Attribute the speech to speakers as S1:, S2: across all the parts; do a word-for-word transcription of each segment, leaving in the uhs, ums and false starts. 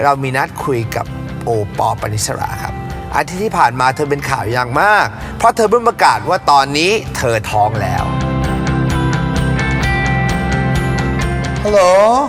S1: เรามีนัดคุยกับโอปอล์ ปณิสราครับอาทิตย์ที่ผ่านมาเธอเป็นข่าวอย่างมากเพราะเธอเพิ่งประกาศว่าตอนนี้เธอท้องแล้วฮัลโหล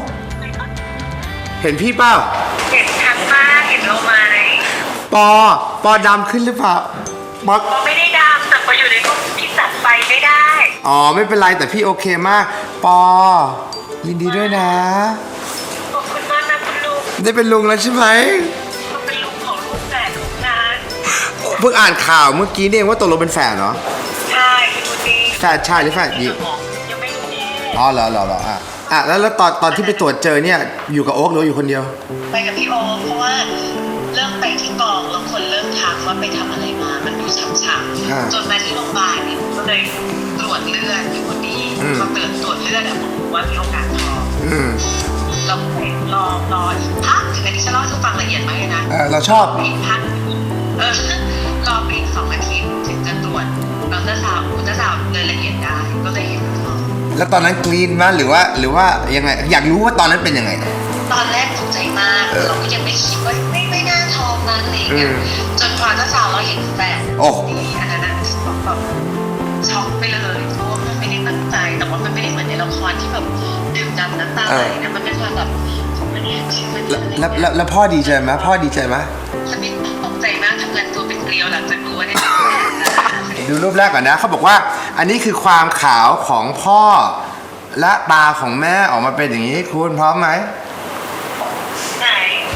S1: เห็นพี่เปล่า
S2: เห็นชัดมากเห็นเราไหม
S1: ปอปอดำขึ้นหรือเปล่าปอ
S2: ปอไม่ได้ดำแต่ปออยู่ในรูปที่ตัดไฟไม่ได้
S1: อ๋อไม่เป็นไรแต่พี่โอเคมากปอยินดีด้วยนะ
S2: ขอบคุณมากนะคุณลุง
S1: ได้เป็นลุงแล้วใช่ไหม
S2: เป็นลุงของลูกแฝดของงาน
S1: เพิ่งอ่านข่าวเมื่อกี้นี่เองว่าตกลงเป็นแฝดเหรอ
S2: ใช่คุณดี
S1: แฝดชายหรือแฝดหญิง
S2: ยังไม่รู้นี่
S1: อ๋อเหรอเหรอเหรออ่ะอ่ะแล้วแล้วตอนตอนที่ไปตรวจเจอเนี่ยอยู่กับโอ๊คหรืออยู่คนเดียว
S2: ไปกับพี่โอ๊คเพราะว่าเริ่มไปที่กองแล้วคนเริ่มทักว่าไปทำอะไรมามันดูช้ำๆจนมาที่โรงพยาบาลเนี่ยก็เลยตรวจเลือดอยู่คนดีพอเกิดตรวจเลือดอะผมรู้ว่ามีโอกาสท้องเราไปรอรออีกพักถึงอันนี้ฉันเล่าให้ฟังละเอียดไหมนะ
S1: เออเราชอบ
S2: อีกพักเออรอไปอีกสองอาทิตย์ถึงจะตรวจอัลตราซาวด์อัลตราซาวด์เลยละเอียดได้ก็เลยเห็นท้อง
S1: แล้วตอนนั้นกรีนมั้ยหรือว่าหรือว่ายังไงอยากรู้ว่าตอนนั้นเป็นยังไง
S2: ตอนแรกตกใจมากเราก็ยังไม่คิดว่าไม่ไม่น่าท้องนั้นอะไรเงี้ยจนพออัลตราซาวด์เราเห็นแฝดดีอันนั้นนะแบบช็อกไปเลยเพราะว่ามันไม่ได้ตั้งใจแต่ว่ามันไม่ได้เหมือนในละครที่แบบดื่มดำน้ำตาไหลนะมันเป็นความแบบของมันเนี่ยจริงมัน
S1: แล้วแล้วแล้วพ่อดีใจไหมพ่อดีใจไหม
S2: ฉันไม่ตกใจมากทำงานตัวเป็นเกลียวหลังจากรู้ว่าเนี่ย
S1: ดูรูปแรกก่อนนะเขาบอกว่าอันนี้คือความขาวของพ่อและตาของแม่ออกมาเป็นอย่างนี้คุณพร้อมไหม
S2: ไหน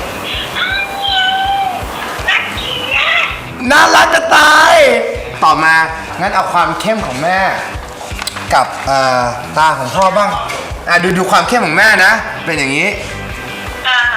S1: น่ารักจะตายต่อมางั้นเอาความเข้มของแม่กับตาของพ่อบ้างอ่ะดูดูความเข้มของแม่นะเป็นอย่างนี้
S2: อ่า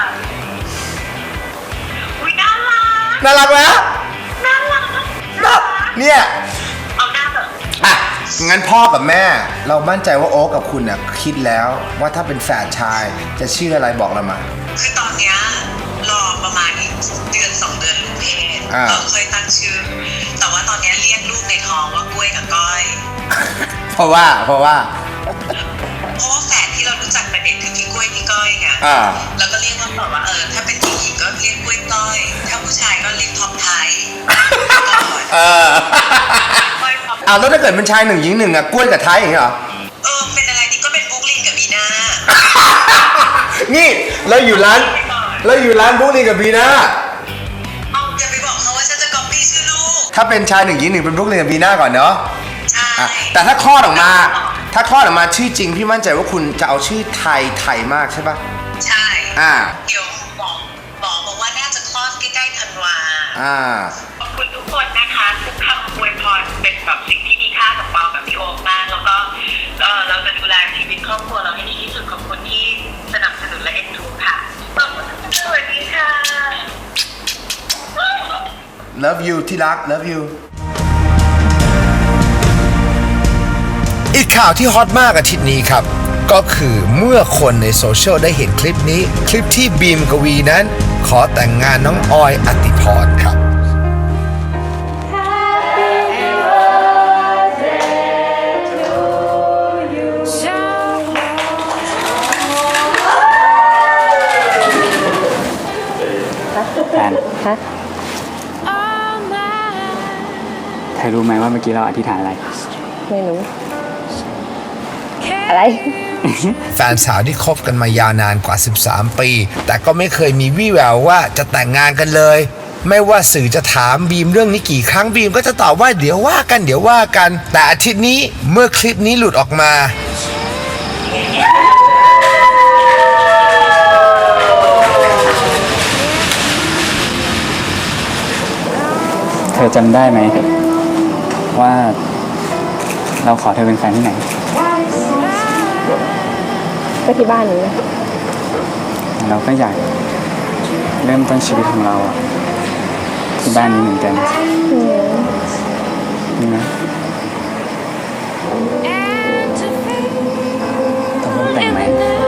S2: อุ๊ยน่ารัก
S1: น่ารักไหม
S2: น่ารัก
S1: เนี่ย
S2: เอาหน้าแบบ
S1: อ่ะงั้นพ่อกับแม่เรามั่นใจว่าโอ๊คกับคุณเนี่ยคิดแล้วว่าถ้าเป็นแฝดชายจะชื่ออะไรบอกเรามา
S2: คือตอนเนี้ยรอประมาณอีกเดือนสองเดือนลูกเพศเราเคยตั้งชื่อแต่ว่าตอนนี้เรียกลูกในท้องว่ากล้วยกับก้อย
S1: เพราะว่าเพราะว่า
S2: เพราะว่าแฝดที่เรารู้จักแต่เด็กคือพี่กล้วยพี่ก้อยไงแล้วก็เรียกว่าแบบว่าเออถ้าเป็นผู้หญิงก็เรียกกล้วยก้อยถ้าผู้ชายก็เรียกท็อปไทย
S1: เออเอาแล้วถ้าเกิดเป็นชายหนึ่งหญิงหนึ่งอะกล้วยกับไทยอย่างเงี้ยเหรอ
S2: เออเป็นอะไรนี่ก็เป็นบุ๊กลินกับบีน่า
S1: นี่เราอยู่ร้านเราอยู่ร้านบุ๊กลินกับบีน่า
S2: เอาอย่าไปบอกเขาว่าฉันจะก๊อปปี้ชื่อลูก
S1: ถ้าเป็นชายหนึ่งหญิงหนึ่งเป็นบุ๊กลินกับบีน่าก่อนเนาะ
S2: ใช่
S1: แต่ถ้าคลอดออกมาถ้าคลอดออกมาชื่อจริงพี่มั่นใจว่าคุณจะเอาชื่อไทยไทยมากใช่ปะ
S2: ใช่
S1: อ่า
S2: เดี๋ยวหมอหมอบอกว่าน่าจะคลอดใกล้ๆธันวา
S1: อ่า
S2: ขอบคุณทุกคนนะคะทุกคำอวยพรเป็นแบบสิ่งที่มีค่ากับเรากับพี่โอ๊คมากแล้วก็เออเราจะดูแลชีวิตครอบครัวเราให้ดีที่สุดขอบคุณที่สนับสนุนและเอ็นดูค่ะสวัสดีค่ะ
S1: Love you ที่รัก Love you อีกข่าวที่ฮอตมากอาทิตย์นี้ครับก็คือเมื่อคนในโซเชียลได้เห็นคลิปนี้คลิปที่บีมกวีนั้นขอแต่งงานน้องออยอติพรครับ
S3: แฟนเธอรู้ไหมว่าเมื่อกี้เราอธิษฐานอะไร
S4: ไม่รู้อะไร
S1: แฟนสาวที่คบกันมายาวนานกว่าสิบสามปีแต่ก็ไม่เคยมีวี่แววว่าจะแต่งงานกันเลยไม่ว่าสื่อจะถามบีมเรื่องนี้กี่ครั้งบีมก็จะตอบว่าเดี๋ยวว่ากันเดี๋ยวว่ากันแต่อาทิตย์นี้เมื่อคลิปนี้หลุดออกมา
S3: เธอจำได้ไหมว่าเราขอเธอเป็นแฟนที่ไหน
S4: ก็ที่บ้านนี้
S3: เราก็อยากเริ่มต้นชีวิตของเราที่บ้านนี้เหมือนกันนี่นะตกลงแต่งไหม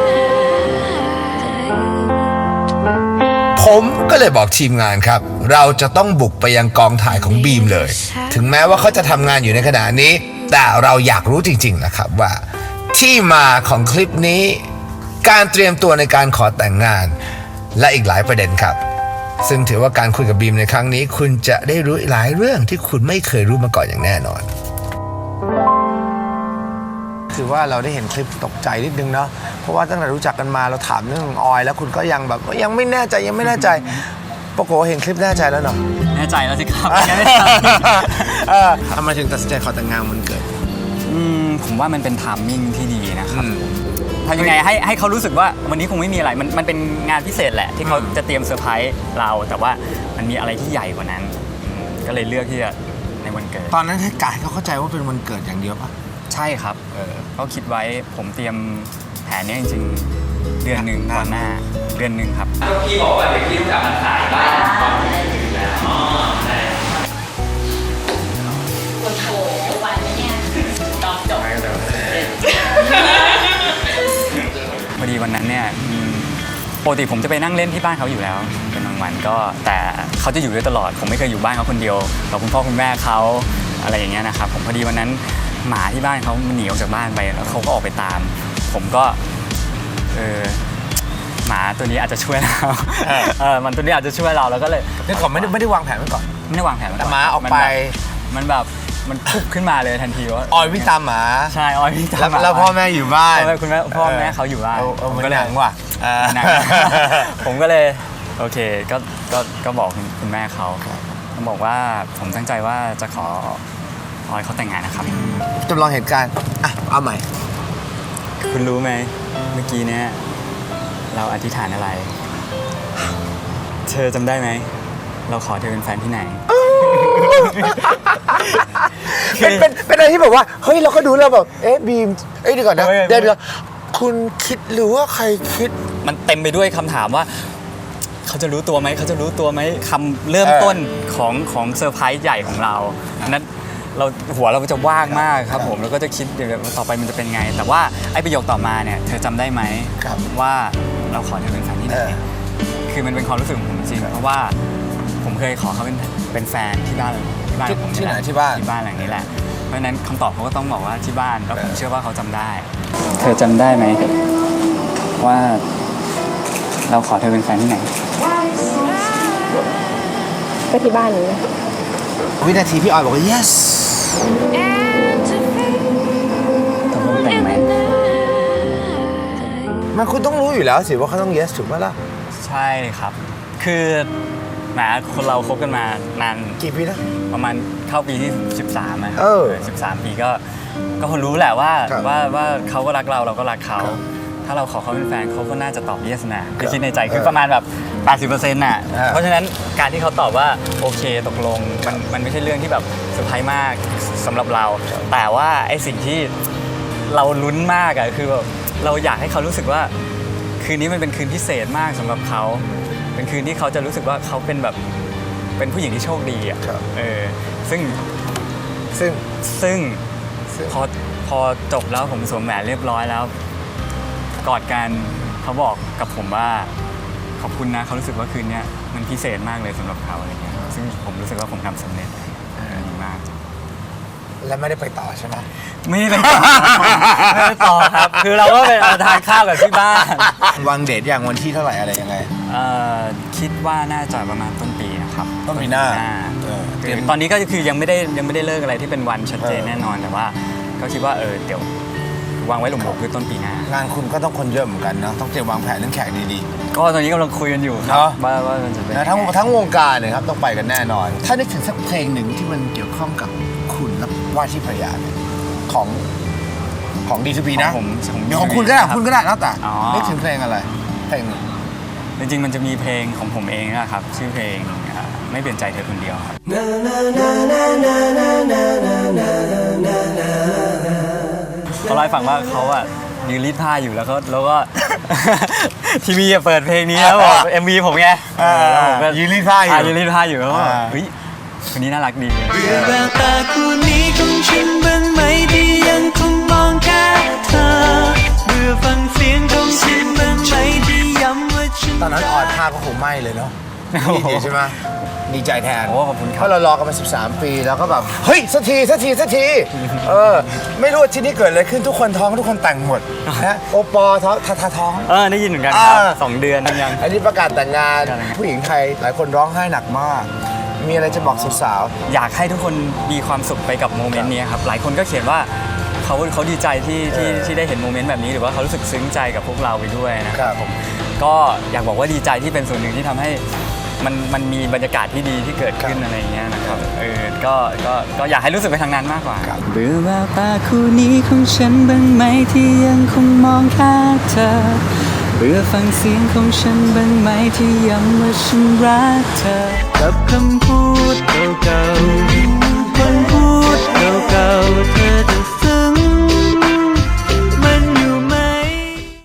S1: ผมก็เลยบอกทีมงานครับเราจะต้องบุกไปยังกองถ่ายของบีมเลยถึงแม้ว่าเขาจะทำงานอยู่ในขณะนี้แต่เราอยากรู้จริงๆนะครับว่าที่มาของคลิปนี้การเตรียมตัวในการขอแต่งงานและอีกหลายประเด็นครับซึ่งถือว่าการคุยกับบีมในครั้งนี้คุณจะได้รู้หลายเรื่องที่คุณไม่เคยรู้มาก่อนอย่างแน่นอนถือว่าเราได้เห็นคลิปตกใจนิดนึงเนาะเพราะว่าตั้งแต่รู้จักกันมาเราถามเรื่องออยแล้วคุณก็ยังแบบยังไม่แน่ใจยังไม่แน่ใจปรากฏว่าเห็นคลิปแน่ใจแล้วเนาะ
S3: แน่ใจแล้วสิครับยังไม่ท
S1: เออทำไมถึงตัดสินใจขอแต่งงานวันเกิด
S3: ำอืมผมว่ามันเป็นไทามมิ่งที่ดีนะครับทำยังไงให้ให้เขารู้สึกว่าวันนี้คงไม่มีอะไรมันมันเป็นงานพิเศษแหละที่เขาจะเตรียมเซอร์ไพรส์เราแต่ว่ามันมีอะไรที่ใหญ่กว่านั้นอืมก็เลยเลือกที่จะในวันเกิด
S1: ตอนนั้นให้กายเขาเข้าใจว่าเป็นวันเกิดอย่างเดียวปะ
S3: ใช่ครับเออเขาคิดไว้ผมเตรียมแผนนี้จริงๆเดือนหนึ่งก่อนหน้าเดือนหนึ่งครับก็พี่บอกว่าเดี๋ยวพี่จะมาขายบ้านก่อนถึงแล้วอ๋อใช่โอ้โหไหวไหมเนี่ยตอนจบพอดีวันนั้นเนี่ยปกติผมจะไปนั่งเล่นที่บ้านเขาอยู่แล้วเป็นบางวันก็แต่เขาจะอยู่ด้วยตลอดผมไม่เคยอยู่บ้านเขาคนเดียวกับคุณพ่อคุณแม่เขาอะไรอย่างเงี้ยนะครับผมพอดีวันนั้นหมาที่บ้านเขามันหนีออกจากบ้านไปแล้วเขาก็ออกไปตามผมก็เออหมาตัวนี้อาจจะช่วยเราเออมันตัวนี้อาจจะช่วยเราแล้วก็เลย
S1: นี่ก่อนไม่ได้ไม่ได้วางแผนไว้ก่อน
S3: ไม่ได้วางแผนไว้ก่อน
S1: แต่หมาออกไป
S3: มันแบบมันพุบขึ้นมาเลยทันทีว่า
S1: ออยวิ่งตามหมา
S3: ใช่ออยวิ่งตาม
S1: แล้ว
S3: หมา
S1: แล้วพ่อแม่อยู่บ้าน
S3: พ่อแม่คุณแม่พ่อแม่เขาอยู่บ้าน
S1: เออเออ
S3: ผม
S1: มัน
S3: ก็
S1: ห
S3: เลย
S1: นังว่ะ
S3: หนัง ผมก็เลยโอเคก็ก็ก็บอกคุณคุณแม่เขาเขาบอกว่าผมตั้งใจว่าจะขอออยเขาแต่งงานนะครับ
S1: จำลองเหตุการณ์อ่ะเอาใหม่
S3: คุณรู้ไหมเมื่อกี้เนี้ยเราอธิษฐานอะไร เธอจำได้ไหมเราขอเธอเป็นแฟนที่ไหน
S1: เป็นเป็นเป็นอะไรที่แบบว่าเฮ้ยเราก็ดูแล้วแบบเอ๊ะบีมเอ้ยเดี๋ยวก่อนนะ
S3: ไม่ไม่
S1: เดี๋ยวเดี๋ยวคุณคิดหรือว่าใครคิด
S3: มันเต็มไปด้วยคำถามว่า เขาจะรู้ตัวไหมเขาจะรู้ตัวไหมคำเริ่มต้นของของเซอร์ไพรส์ใหญ่ของเราอันนั้นเราหัวเราจะว่างมากครับผมแล้วก็จะคิดเดี๋ยวต่อไปมันจะเป็นไง แต่ว่าไอ้ประโยคต่อมาเนี่ยเธอจำได้ไหม
S1: ครับ
S3: ว่าเราขอเธอเป็นแฟนที่ไหน
S1: เออ
S3: คือมันเป็นความรู้สึกของผมจริงๆเพราะว่าผมเคยขอเขาเป็นเป็นแฟนที่บ้านที่บ้านของผม
S1: ที่ไหน
S3: แะ
S1: ที่บ้าน
S3: ที่บ้านหลังนี้แหละเพราะฉะนั้นคำตอบเขาก็ต้องบอกว่าที่บ้านแล้วผม
S1: เออ
S3: เชื่อว่าเขาจำได้ เธอจำได้ไหมว่าเราขอเธอเป็นแฟนที่ไหน
S4: ก็ที่บ้านนี้นะ
S1: วินาทีพี่ออยบอกว่า yes
S3: ตกลงแต่งไหม
S1: มันคุณต้องรู้อยู่แล้วสิว่าเขาต้อง yes ถูกไหมล่ะ
S3: ใช่ครับ คือแหมคนเราคบกันมานาน
S1: กี่ปีนะ
S3: ประมาณเข้าปีที่สิบสามนะ
S1: เออ
S3: สิบสามปีก็ก็คนรู้แหละว่า
S1: ครับ
S3: ว่าว่าเขาก็รักเราเราก็รักเขา
S1: ครับ
S3: ถ้าเราขอเขาเป็นแฟนเขาก็น่าจะตอบ yes นะคือคิดในใจ
S1: เออ
S3: คือประมาณแบบ แปดสิบเปอร์เซ็นต์ น่ะ
S1: เออ
S3: เพราะฉะนั้นการที่เขาตอบว่าโอเคตกลงมันมันไม่ใช่เรื่องที่แบบเซอร์ไพรส์มากสำหรับเรา แต่ว่าไอ้สิ่งที่เราลุ้นมากอะคือแบบเราอยากให้เขารู้สึกว่าคืนนี้มันเป็นคืนพิเศษมากสำหรับเขาเป็นคืนที่เขาจะรู้สึกว่าเขาเป็นแบบเป็นผู้หญิงที่โชคดีอะ
S1: ครับ
S3: เออซึ่ง
S1: ซึ่ง
S3: ซึ่ง
S1: ซึ่ง
S3: พอพอจบแล้วผมสวมแหวนเรียบร้อยแล้วกอดกันเขาบอกกับผมว่าขอบคุณนะเขารู้สึกว่าคืนนี้มันพิเศษมากเลยสำหรับเขาอะไรเงี้ยซึ่งผมรู้สึกว่าผมทำสำเร็จเออดีมาก
S1: และไม่ได้ไปต่อใช่ไหม
S3: ไม่ได้ไปต่อ ไม่ได้ต่อครับ คือเราก็ไปเอาทานข้าวกับที่บ้าน
S1: วางเดทอย่างวันที่เท่าไหร่อะไรยังไง
S3: เอ่อคิดว่าน่าจะประมาณต้นปีนะครับ
S1: ต้นปีหน้าเออ
S3: คือตอนนี้ก็คือยังไม่ได้ยังไม่ได้เลิกอะไรที่เป็นวันชัดเจน
S1: เออ
S3: แน่นอนแต่ว่าก็คิดว่าเออเดี๋ยววางไว้หลงๆคือต้นปีหน้า
S1: งานคุณก็ต้องคนเยอะเหมือนกันเนาะต้องเตรียมวางแผนเรื่องแขกดี
S3: ก็ตอนนี้กำลังคุยกันอยู่ครั
S1: เน
S3: บ
S1: อะ
S3: ว่าว่ามันจะเป็น
S1: ๆนะทั้งทั้งวงการเนี่ยครับต้องไปกันแน่นอน ถ้านึกถึงสักเพลงหนึ่งที่มันเกี่ยวข้องกับคุณและว่าที่ภรรยาเนี่ยของของดีทูบีนะ
S3: ของผมของ
S1: เดี๋ยวของคุณก็ได้
S3: รับ
S1: คุณก็ได้แล้วแต่
S3: อ๋อ
S1: นึกถึงเพลงอะไรเพลงหนึ่ง
S3: จริงๆมันจะมีเพลงของผมเองนะครับชื่อเพลงอ่าไม่เปลี่ยนใจเธอคนเดียวครับเขาเล่าให้ฟังว่าเขาอะยืนรีดผ้าอยู่แล้วเขาแล้วก็ ทีวีอะเปิดเพลงนี้แล้วบอกเอ็มวีผมไง
S1: อ่า
S3: แล้วผมก็
S1: ยืนรีดผ้าอยู่
S3: ยืนรีดผ้าอยู่แล้วก็
S1: อ่า
S3: เฮ้ยคนนี้น่ารักดี
S5: เบื่อแววตาคู่นี้ของฉันบ้างไหมที่ยังคงมองแค่เธอเบื่อฟังเสียงของฉันบ้างไหมที่ย้ำว่าฉัน
S1: ตอนนั้นออยผ้าก็คงไหม้เลยเนาะดีดีใช่ไหมดีใจแทน
S3: โอ้ขอบคุณค
S1: เพ
S3: รับ
S1: ราะเรารอกันมาสิบสามปีแล้วก็แบบเฮ้ยสักทีสักทีสักทีเออไม่รู้ว่าที่นี่เกิดอะไรขึ้นทุกคนท้องทุกคนแต่งหมดนะโอปอท้องทาทาท้อง
S3: เออได้ยินเหมือนกันครับ
S1: อ่า
S3: สองเดือนยัง
S1: อันนี้ประกาศแต่งงาน
S3: ประกาศแต่งงาน
S1: ผู้หญิงไทยหลายคนร้องไห้หนักมาก มีอะไรจะบอกสาว
S3: อยากให้ทุกคนมีความสุขไปกับโมเมนต์นี้ครับหลายคนก็เขียนว่าเขาเขาดีใจที่ที่
S1: เออ
S3: ที่ได้เห็นโมเมนต์แบบนี้หรือว่าเขารู้สึกซึ้งใจกับพวกเราไปด้วยนะค
S1: ครั
S3: รับบ ผมก็อยากบอกว่าดีใจที่เป็นส่วนหนึ่งที่ทำให้มันมันมีบรรยากาศที่ดีที่เกิดขึ้นอะไรอย่างเงี้ยนะครับเออก็ก็ก็อยากให้รู้สึกไปทางนั้นมากกว่า
S5: เบื่อแววตาคู่นี้ของฉันบ้างไหมที่ยังคงมองแค่เธอ เบื่อฟังเสียงของฉันบ้างไหมที่ย้ำว่าฉันรักเธอ กับคำพูดเก่าๆคนพูดเก่าๆเธอจะ